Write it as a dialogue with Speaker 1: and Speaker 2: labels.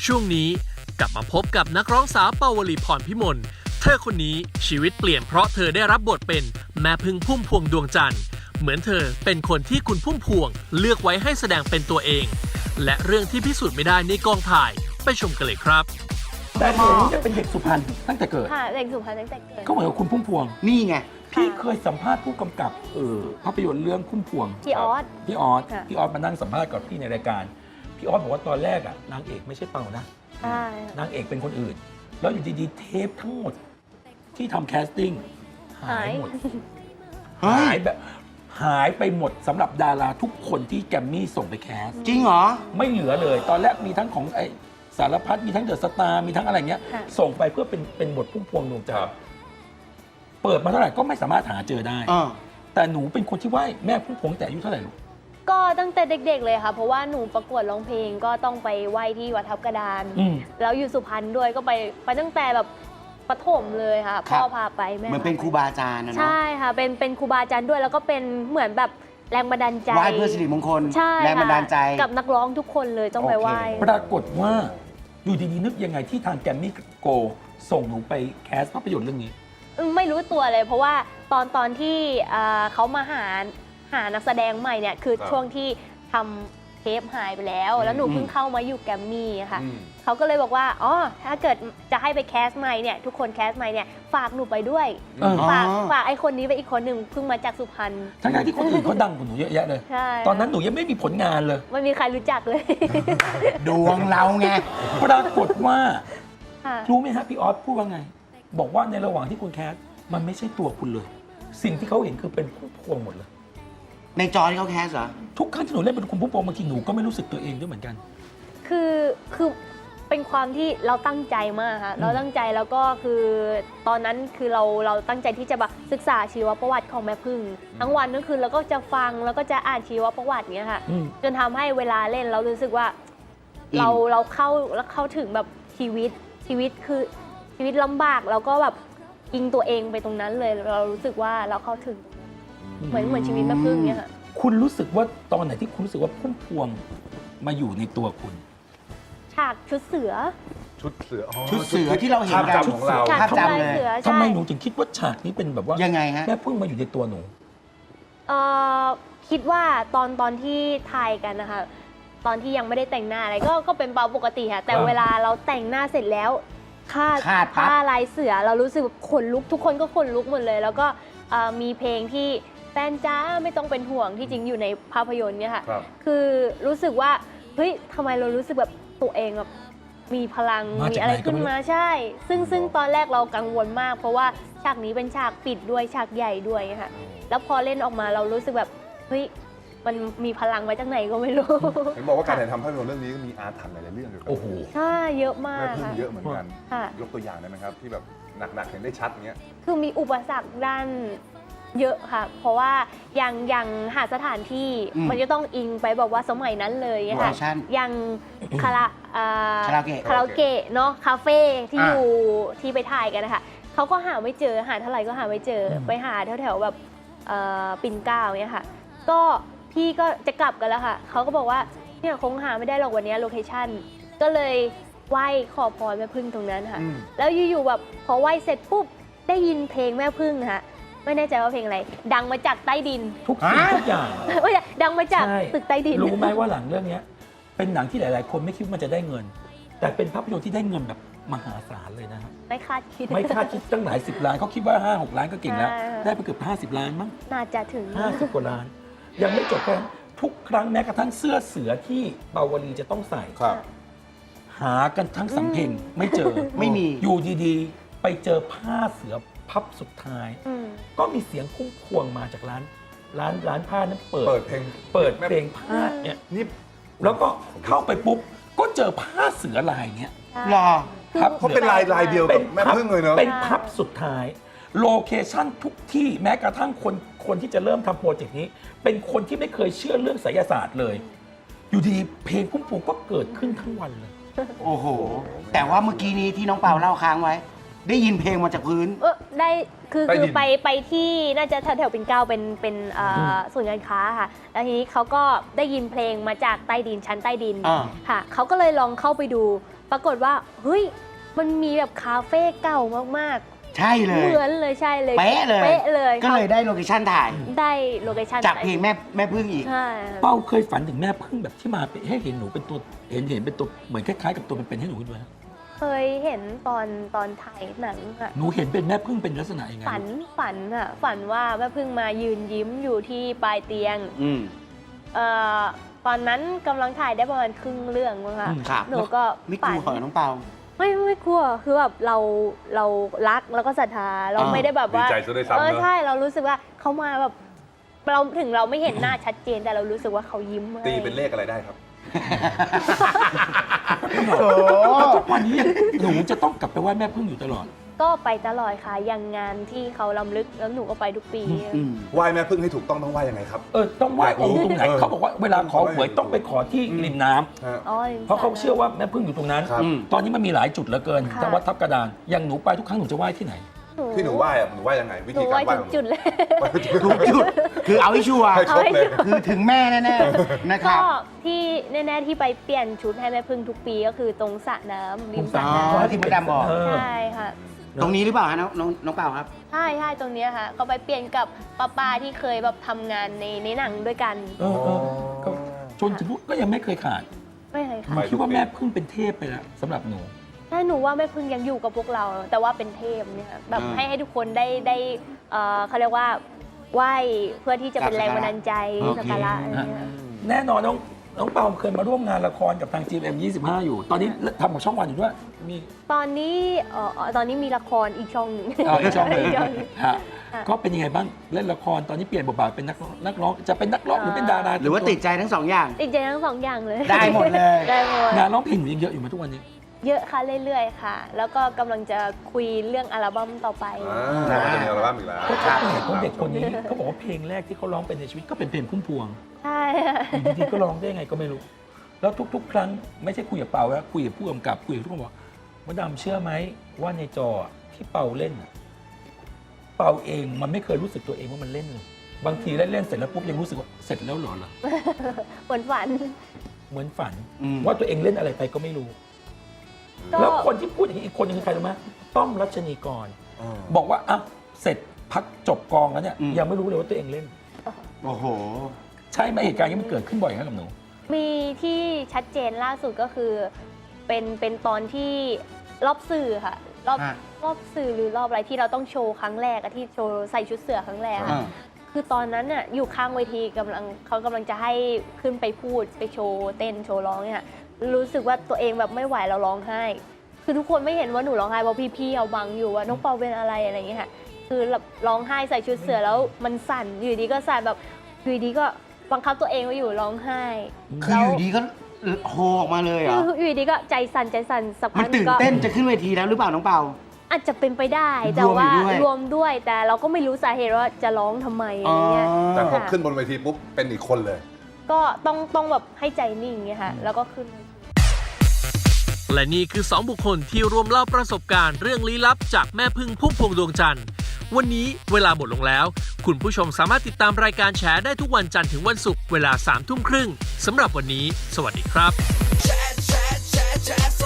Speaker 1: ช่วงนี้กลับมาพบกับนักร้องสาวเปาวลีพรพิมลเธอคนนี้ชีวิตเปลี่ยนเพราะเธอได้รับบทเป็นแม่พึ่งพุ่มพวงดวงจันทร์เหมือนเธอเป็นคนที่คุณพุ่มพวงเลือกไว้ให้แสดงเป็นตัวเองและเรื่องที่พิสูจน์ไม่ได้ในกองถ่ายไปชมกันเลยครับ
Speaker 2: แต่เด็กนี่จะเป็นเด็กสุพรรณตั้งแต่เกิด
Speaker 3: ค่ะเด็กสุพรรณตั้งแต่เกิด
Speaker 2: ก็เหมือนกับคุณพุ่มพวง
Speaker 4: นี่ไง
Speaker 2: พี่เคยสัมภาษณ์ผู้กำกับภาพยนตร์เรื่องพุ่มพวง
Speaker 3: พี่ออส
Speaker 2: พี่ออส
Speaker 3: ค่ะ
Speaker 2: พี่ออสมานั่งสัมภาษณ์กับพี่ในรายการพี่ออสบอกว่าตอนแรกอ่ะนางเอกไม่ใช่เปานะ
Speaker 3: ใช่
Speaker 2: นางเอกเป็นคนอื่น แล้วอยู่ดีๆเทปทั้งหมดที่ทำแคสติ้งหายหมด
Speaker 4: เฮ้ย
Speaker 2: หายแบบหายไปหมดสำหรับดาราทุกคนที่แกรมมี่ส่งไปแคส
Speaker 4: จริงเหรอ
Speaker 2: ไม่เหลือเลย ตอนแรกมีทั้งของไอสารพัดมีทั้งเดอะสตาร์มีทั้งอะไรเงี้ย
Speaker 3: ค่ะ
Speaker 2: ส่งไปเพื่อเป็นบทพุ่มพวงดวงจันทร์เปิดมาเท่าไหร่ก็ไม่สามารถหาเจอได้ แต่หนูเป็นคนที่ไหว้แม่พุ่มพวงแต่อายุเท่าไหร่ลูก
Speaker 3: ก็ตั้งแต่เด็กๆเลยค่ะ เพราะว่าหนูประกวดร้องเพลงก็ต้องไปไหว้ที่วัดทับกระดาน
Speaker 2: อืม
Speaker 3: แล้วอยู่สุพรรณด้วยก็ไปตั้งแต่แบบประถมเลยค่ะ
Speaker 4: ครั
Speaker 3: พ่
Speaker 4: บ
Speaker 3: อพาไปแม่
Speaker 4: เหมือนเป็นครูบาอาจารย์นะเนาะ
Speaker 3: ใช่ค่ะเป็นครูบาอาจารย์ด้วยแล้วก็เป็นเหมือนแบบแรงบันดาลใจ
Speaker 4: ไหว้เพื่อสิริมงคล
Speaker 3: ใช่
Speaker 4: แรงบันดาลใจ
Speaker 3: ค่ะกับนักร้องทุกคนเลยต้องไปไหว้
Speaker 2: ปรากฏว่าอยู่ดีๆนึกยังไงที่ทางแกรมมี่โกส่งหนูไปแคสภาพยนตร์เรื่องนี้
Speaker 3: ไม่รู้ตัวเลย เพราะว่าตอนที่เขามาหานักแสดงใหม่เนี่ยคือ
Speaker 5: ครับ
Speaker 3: ช่วงที่ทำเทปหายไปแล้ว แล้วหนูเพิ่งเข้ามาอยู่แกรมมี่ค่ะ
Speaker 5: อืม
Speaker 3: เขาก็เลยบอกว่าอ๋อถ้าเกิดจะให้ไปแคสใหม่เนี่ยทุกคนแคสใหม่เนี่ยฝากหนูไปด้วย
Speaker 2: เออ
Speaker 3: ฝากไอ้คนนี้ไปอีกคนหนึ่งเพิ่งมาจากสุพรรณ
Speaker 2: ทั้งๆที่คนอื่นเขาดังกว่าหนูเยอะแยะเลย
Speaker 3: ใช่
Speaker 2: ตอนนั้นหนูยังไม่มีผลงานเลย
Speaker 3: ไม่มีใครรู้จักเลย
Speaker 4: ดวงเราไง
Speaker 2: ปรากฏว่า
Speaker 3: ค่ะ
Speaker 2: รู้ไหมฮะพี่ออสพูดว่าไง บอกว่าในระหว่างที่คุณแคสมันไม่ใช่ตัวคุณเลย สิ่งที่เขาเห็นคือเป็นพุ่มพวงหมดเลย
Speaker 4: ในจอที่เขาแคสเหรอ
Speaker 2: ทุกครั้งที่หนูเล่นเป็นคุณพุ่มพวงบางทีหนูก็ไม่รู้สึกตัวเองด้วยเหมือนกัน
Speaker 3: คือเป็นความที่เราตั้งใจมากค่ะเราตั้งใจแล้วก็คือตอนนั้นคือเราตั้งใจที่จะแบบศึกษาชีวประวัติของแม่พึ่งทั้งวันทั้งคืนแล้วก็จะฟังแล้วก็จะอ่านชีวประวัติเนี้ยค่ะ
Speaker 2: อืม
Speaker 3: จนทำให้เวลาเล่นเรารู้สึกว่า
Speaker 4: อิน
Speaker 3: เราเข้าถึงแบบชีวิตคือชีวิตลำบากแล้วก็แบบอิงตัวเองไปตรงนั้นเลยเรารู้สึกว่าเราเข้าถึงเหมือนชีวิตแม่พึ่งเนี้ยค่ะ
Speaker 2: คุณรู้สึกว่าตอนไหนที่คุณรู้สึกว่าพุ่มพวงมาอยู่ในตัวคุณ
Speaker 3: ฉากชุดเสือ
Speaker 5: ชุดเสืออ๋อ
Speaker 4: ชุดเสือที่เราเห็น
Speaker 5: ภาพ
Speaker 4: กัน
Speaker 5: จำของเรา
Speaker 3: ฉาก
Speaker 4: ภาพจำ
Speaker 3: ทำลาย
Speaker 4: เลย
Speaker 3: เสือ
Speaker 2: ทำไม
Speaker 3: ใช่
Speaker 2: หนูถึงคิดว่าฉากนี้เป็นแบบว่า
Speaker 4: ยังไงฮะ
Speaker 2: แม่พึ่งมาอยู่ในตัวหนู
Speaker 3: เอ่อคิดว่าตอนที่ถ่ายกันนะคะตอนที่ยังไม่ได้แต่งหน้าอะไรก็เป็นเปาปกติค่ะแต่
Speaker 2: อ่า
Speaker 3: เวลาเราแต่งหน้าเสร็จแล้วคาด
Speaker 4: คาดปั๊บ
Speaker 3: ผ้าลายเสือเรารู้สึกแบบขนลุกทุกคนก็ขนลุกหมดเลย แล้วก็มีเพลงที่แฟนจ้าไม่ต้องเป็นห่วงที่จริงอยู่ในภาพยนตร์เนี่ยค่ะ
Speaker 5: ครับ
Speaker 3: คือรู้สึกว่าเฮ้ยทำไมเรารู้สึกแบบตัวเองแบบมีพลัง
Speaker 2: มาจาก
Speaker 3: มีอะไร
Speaker 2: ไหนก็
Speaker 3: ขึ้น
Speaker 2: ไม่รู้
Speaker 3: มาใช่ ซึ่งตอนแรกเรากังวลมาก เพราะว่าฉากนี้เป็นฉากปิดด้วยฉากใหญ่ด้วยค่ะ แล้วพอเล่นออกมาเรารู้สึกแบบเฮ้ยมันมีพลังมาจากไหนก็ไม่รู้
Speaker 5: เห็นบอกว่าการถ่ายทำภาพยนตร์เรื่องนี้ก็มีอาถรรพ์หลายๆเรื่องเกี่ยวกับ
Speaker 2: โอ้โห
Speaker 3: ใช่เยอะมา
Speaker 5: แม่
Speaker 3: ก
Speaker 5: พึ่ง
Speaker 3: ค่ะ
Speaker 5: เยอะเหมือนกัน
Speaker 3: ค่ะ
Speaker 5: ยกตัวอย่างได้ไหมครับ ที่แบบหนักๆเห็นได้ชัดอย่างเงี้ย
Speaker 3: คือมีอุปสรรคด้านเยอะค่ะ เพราะว่าอย่างหาสถานที่
Speaker 4: อืม
Speaker 3: มันจะต้องอิงไปแบบว่าสมัยนั้นเลย
Speaker 4: โล
Speaker 3: ค่ะ
Speaker 4: เคชั่น
Speaker 3: อย่างคาราอ่
Speaker 4: คาราโอเกะ
Speaker 3: คาราโอเกะเนาะคาเฟ่ที่
Speaker 4: อ่ะ
Speaker 3: อยู่ที่ไปถ่ายกันนะคะเขาก็หาไม่เจอหาเท่าไหร่ก็หาไม่เจออ
Speaker 2: ม
Speaker 3: ไปหาแถวๆแบบปิ่นเกล้าเนี่ยค่ะ ก็พี่ก็จะกลับกันแล้วค่ะเขาก็บอกว่าเนี่ยคงหาไม่ได้หรอกวันนี้โลเคชั่นก็เลยไหว้ขอพรแม่พึ่งตรงนั้นค่ะ
Speaker 4: อืม
Speaker 3: แล้วอยู่ๆแบบพอไหว้เสร็จปุ๊บได้ยินเพลงแม่พึ่งค่ะไม่แน่ใจว่าเพลงอะไร ดังมาจากใต้ดิน
Speaker 2: ทุกสิ่งทุกอย่าง
Speaker 3: ไม่ใช่ดังมาจาก
Speaker 2: ใช่
Speaker 3: ตึกใต้ดิน
Speaker 2: รู้ไหมว่าหลังเรื่องเนี้ยเป็นหนังที่หลาย ๆ คนไม่คิดว่ามันจะได้เงิน แต่เป็นภาพยนตร์ที่ได้เงินแบบมหาศาลเลยนะครับ
Speaker 3: ไม่คาดคิด
Speaker 2: ไม่คาดคิดตั้งหลาย10 ล้านเขาคิดว่า 5-6 ล้านก็เก่งแล้ว
Speaker 3: ใช่
Speaker 2: ได้ไปเกือบ50 ล้านมั้ง
Speaker 3: น่าจะถึง
Speaker 2: 50 กว่าล้าน ยังไม่จบแค่นั้นทุกครั้งแม้กระทั่งเสื้อเสือที่เปาวลีจะต้องใส่
Speaker 5: ครับ
Speaker 2: หากันทั้งสำเพ็งไม่เจอ
Speaker 4: ไม่มี
Speaker 2: อยู่ดีๆ ไปเจอผ้าเสือพับสุดท้าย
Speaker 3: อืม
Speaker 2: ก็มีเสียงพุ่มพวงมาจากร้านผ้านั้นเปิ
Speaker 5: เปิดเพลง
Speaker 2: เพลงผ้าเนี่ย
Speaker 5: นี่
Speaker 2: แล้วก็เข้าไปปุ๊บ ก็เจอผ้าเสือลายเนี้ย
Speaker 4: รอ
Speaker 3: คือ
Speaker 2: ครับ
Speaker 5: เขาเป็นลายเดียวกับแม่พึ่งเลยเนาะ
Speaker 2: เป็นพับสุดท้าย โลเคชั่นทุกที่แม้กระทั่งคนที่จะเริ่มทำโปรเจกต์นี้ เป็นคนที่ไม่เคยเชื่อเรื่องไสยศาสตร์เลย อยู่ดีเพลงพุ่มพวงก็เกิดขึ้นทั้งวันเลย
Speaker 4: โอ้โห แต่ว่าเมื่อกี้นี้ที่น้องเปาเล่าค้างไว้ ได้ยินเพลงมาจากพื้น
Speaker 3: ได้คือ
Speaker 5: ใต้ดิน
Speaker 3: ไปที่น่าจะแถวๆปิ่นเกล้าเป็นศูนย์การค้าค่ะ แล้วทีนี้เขาก็ได้ยินเพลงมาจากใต้ดินชั้นใต้ดิน
Speaker 4: อ่า
Speaker 3: ค่ะเขาก็เลยลองเข้าไปดูปรากฏว่าเฮ้ยมันมีแบบคาเฟ่เก่ามาก
Speaker 4: ใช่เล
Speaker 3: ๆ
Speaker 4: ย
Speaker 3: เหมือนเลยใช่เลย
Speaker 4: เป๊ะเลย
Speaker 3: เป๊ะเลย
Speaker 4: ก็เลยได้โลเคชั่นถ่าย
Speaker 3: ได้โลเคชั่น
Speaker 4: จากเพลงแม่พึ่งอีก
Speaker 3: ใช่
Speaker 2: เป้าเคยฝันถึงแม่พึ่งแบบที่มาให้เห็นหนูเป็นตัวเห็นเป็นตัวเหมือนคล้ายๆกับตัวเป็นๆให้หนูด้วย
Speaker 3: เคยเห็นตอนถ่ายหนังอะ
Speaker 2: หนูเห็นเป็นแม่พึ่งเป็นลักษณะยังไง
Speaker 3: ฝันอะฝันว่าแม่พึ่งมายืนยิ้มอยู่ที่ปลายเตียง
Speaker 4: อืม
Speaker 3: ตอนนั้นกำลังถ่ายได้ประมาณครึ่งเรื่องมั้งคะ
Speaker 4: ครับ
Speaker 3: หนูก็
Speaker 4: ไม่ก
Speaker 3: ฝั
Speaker 4: ลั
Speaker 3: น
Speaker 4: วเหรอน้องเปา
Speaker 3: ไม่กลัวคือแบบเรารักแล้วก็ศรัทธาเรา
Speaker 4: อ่า
Speaker 3: ไม่ได้แบบว่า
Speaker 5: ดีใจซะด้วยซ้ำเนอะ
Speaker 3: ใช่เรารู้สึกว่าเขามาแบบเราถึงเราไม่เห็นหน้าชัดเจนแต่เรารู้สึกว่าเขายิ้มให้
Speaker 5: ตีเป็นเลขอะไรได้ครับ
Speaker 4: โอ้
Speaker 2: แล้วทุกวันนี้หนูจะต้องกลับไปไหว้แม่พึ่งอยู่ตลอด
Speaker 3: ก็ไปตลอดค่ะอย่างงานที่เขาล้ำลึกแล้วหนูก็ไปทุกปี
Speaker 4: อืม
Speaker 5: ไหว้แม่พึ่งให้ถูกต้องไหว้ยังไงครับ
Speaker 2: ต้องไหว้องค์ตรงไหน
Speaker 5: เออ
Speaker 2: เขาบอกว่าเวลาขอหวยต้องไปขอที่ริมน้ำ
Speaker 5: ฮะ
Speaker 3: อ๋อ
Speaker 2: เพราะเขาเชื่อว่าแม่พึ่งอยู่ตรงนั้น
Speaker 5: ครับ
Speaker 2: ตอนนี้มันมีหลายจุดเหลือเกิน
Speaker 3: ค่ะ
Speaker 2: ทั้งวัดทับกระดานอย่างหนูไปทุกครั้งหนูจะไหว้ที่ไหน
Speaker 5: ที่หนูไหว้อะหนูไหว้ยังไง วิ
Speaker 3: หนู
Speaker 5: ธีกา
Speaker 3: ไว้
Speaker 5: รไหว้
Speaker 3: ทุ
Speaker 5: ข
Speaker 3: ก
Speaker 5: องหนู
Speaker 3: จุดเลย
Speaker 5: ไหว้ทุกจุด
Speaker 4: ทุกจุดคือเอาให้ชัวร์
Speaker 5: ให้ครบเลย
Speaker 4: คือถึงแม่แน่ๆนะค
Speaker 3: ก็
Speaker 4: รับ
Speaker 3: ที่แน่ๆที่ไปเปลี่ยนชุดให้แม่พึ่งทุกปีก็คือตรงสระน้ำริมสระ
Speaker 4: อ๋
Speaker 3: น้
Speaker 4: อที่มดดำบอก
Speaker 3: ำใช่ค่ะ
Speaker 4: ตรงนี้หรือเปล่าฮะน้องเปาครับ
Speaker 3: ใช่ตรงเนี้ยค่ะก็ไปเปลี่ยนกับป้าที่เคยแบบทำงานในหนังด้วยกัน
Speaker 2: ก็จนถึงพูดก็ยังไม่เคยขาด
Speaker 3: ไม่เคย
Speaker 2: ห
Speaker 3: ค่ะ
Speaker 2: นูคิดว่าแม่พึ่งเป็นเทพไปแล้วสำหรับหนู
Speaker 3: ใช่หนูว่าแม่พึ่งยังอยู่กับพวกเรา แต่ว่าเป็นเทพเนี่ยแบบ
Speaker 4: อ่า
Speaker 3: ให้ทุกคนได้เขาเรียกว่าไหว้เพื่อที่จะเป็นแรงบันดาลใจ
Speaker 4: โอเค
Speaker 3: สักการะอะไรเงี้ย
Speaker 2: แน่นอนน้องเปาเคยมาร่วมงานละครกับทาง GMM 25 อยู่ ตอนนี้ทำกับช่องวันอยู่ด้วยมี
Speaker 3: ตอนนี้มีละครอีกช่องหนึ่ง
Speaker 2: อีกช่องหนึ่ง
Speaker 3: กช่องหนึ่ง
Speaker 2: ฮะ
Speaker 3: ค่ะ
Speaker 2: ก็เป็นยังไงบ้างเล่นละครตอนนี้เปลี่ยนบทบาทเป็นนักร้องจะเป็นนักร้องหรือเป็นดารา
Speaker 4: หรือว่าติดใจทั้งสองอย่าง
Speaker 3: ติดใจทั้งสองอย่างเลย
Speaker 4: ได้หมดเลย
Speaker 3: ได้หมด
Speaker 2: งานร้องเพลงหนูยังเยอะอยู่ไหมทุกวันนี้
Speaker 3: เยอะค่ะเรื่อยๆค่ะ แล้วก็กำลังจะคุยเรื่องอัลบั้มต่อไป
Speaker 5: จะมีอัลบั้มอีกแล้ว
Speaker 2: เพราะเด็กคนนี้เขาบอกว่าเพลงแรกที่เขาร้องเป็นในชีวิตก็เป็นเพลงพุ่มพวง
Speaker 3: ใช่ค่ะ
Speaker 2: อยู่ดีๆก็ร้องได้ยังไงก็ไม่รู้ แล้วทุกๆ ครั้งไม่ใช่คุยกับเปาแล้วคุยกับผู้กำกับคุยกับทุกคนบอกมดดำเชื่อไหมว่าในจอที่เปาเล่นน่ะเปาเองมันไม่เคยรู้สึกตัวเองว่ามันเล่นเลยบางทีเล่นเสร็จแล้วปุ๊บยังรู้สึกว่าเสร็จแล้วเหรอ
Speaker 3: เหมือนฝัน
Speaker 2: เหมือนฝัน
Speaker 4: อืม
Speaker 2: ว่าตัวเองเล่นอะไรไปก็ไม่รู้
Speaker 3: ก็
Speaker 2: แล้วคนที่พูดอย่างนี้อีกคนนึงคือใครรู้ไหมต้อมรัชนีกร บอกว่าอ่ะเสร็จพักจบกองแล้วเนี่ย
Speaker 4: อืม
Speaker 2: ยังไม่รู้เลยว่าตัวเองเล่น
Speaker 4: โอ้โห
Speaker 2: ใช่ไหมเหตุการณ์นี้มันเกิดขึ้นบ่อยครับกับหนู
Speaker 3: มีที่ชัดเจนล่าสุดก็คือเป็นตอนที่รอบสื่อค่ะ
Speaker 4: ฮะ
Speaker 3: รอบสื่อหรือรอบอะไรที่เราต้องโชว์ครั้งแรกอะที่โชว์ใส่ชุดเสือครั้งแรก
Speaker 4: อ่า
Speaker 3: อะคือตอนนั้นน่ะอยู่ข้างเวทีเขากำลังจะให้ขึ้นไปพูดไปโชว์เต้นโชว์ร้องเนี่ยรู้สึกว่าตัวเองแบบไม่ไหวเราร้องไห้ คือทุกคนไม่เห็นว่าหนูร้องไห้เพราะพี่ๆเอาบังอยู่ว่าน้องเปาเป็นอะไรอะไรอย่างเงี้ยค่ะคือแบบร้องไห้ใส่ชุดเสือแล้วมันสั่นอยู่ดีก็สั่นแบบอยู่ดีก็บังคับตัวเองไว้อยู่ร้องไห้
Speaker 4: คืออยู่ดีก็โฮออกมาเลยเหรอ
Speaker 3: คืออยู่ดีก็ใจสั่นสัก
Speaker 4: มั
Speaker 3: พั
Speaker 4: น
Speaker 3: ก
Speaker 4: ตื่น
Speaker 3: ก็
Speaker 4: เต้นจะขึ้นเวทีแล้วหรือเปล่าน้องเปา
Speaker 3: อาจจะเป็นไปได้แต่
Speaker 4: รวมอยู่
Speaker 3: ว่า
Speaker 4: ด้วย
Speaker 3: รวมด้วยแต่เราก็ไม่รู้สาเหตุว่าจะร้องทำไมอะไรเงี้ย
Speaker 5: แต่พอ
Speaker 3: ค่ะ
Speaker 5: ขึ้นบนเวทีปุ๊บเป็นอีกคนเลย
Speaker 3: ก็ต้องแบบให้ใจนิ่งเงี้ยค่ะแล้วก็ขึ้น
Speaker 1: และนี่คือ 2 บุคคลที่รวมเล่าประสบการณ์เรื่องลี้ลับจากแม่พึ่งพุ่มพวงดวงจันทร์วันนี้เวลาหมดลงแล้ว คุณผู้ชมสามารถติดตามรายการแฉได้ทุกวันจันทร์ถึงวันศุกร์เวลา 3 ทุ่มครึ่งสำหรับวันนี้ สวัสดีครับ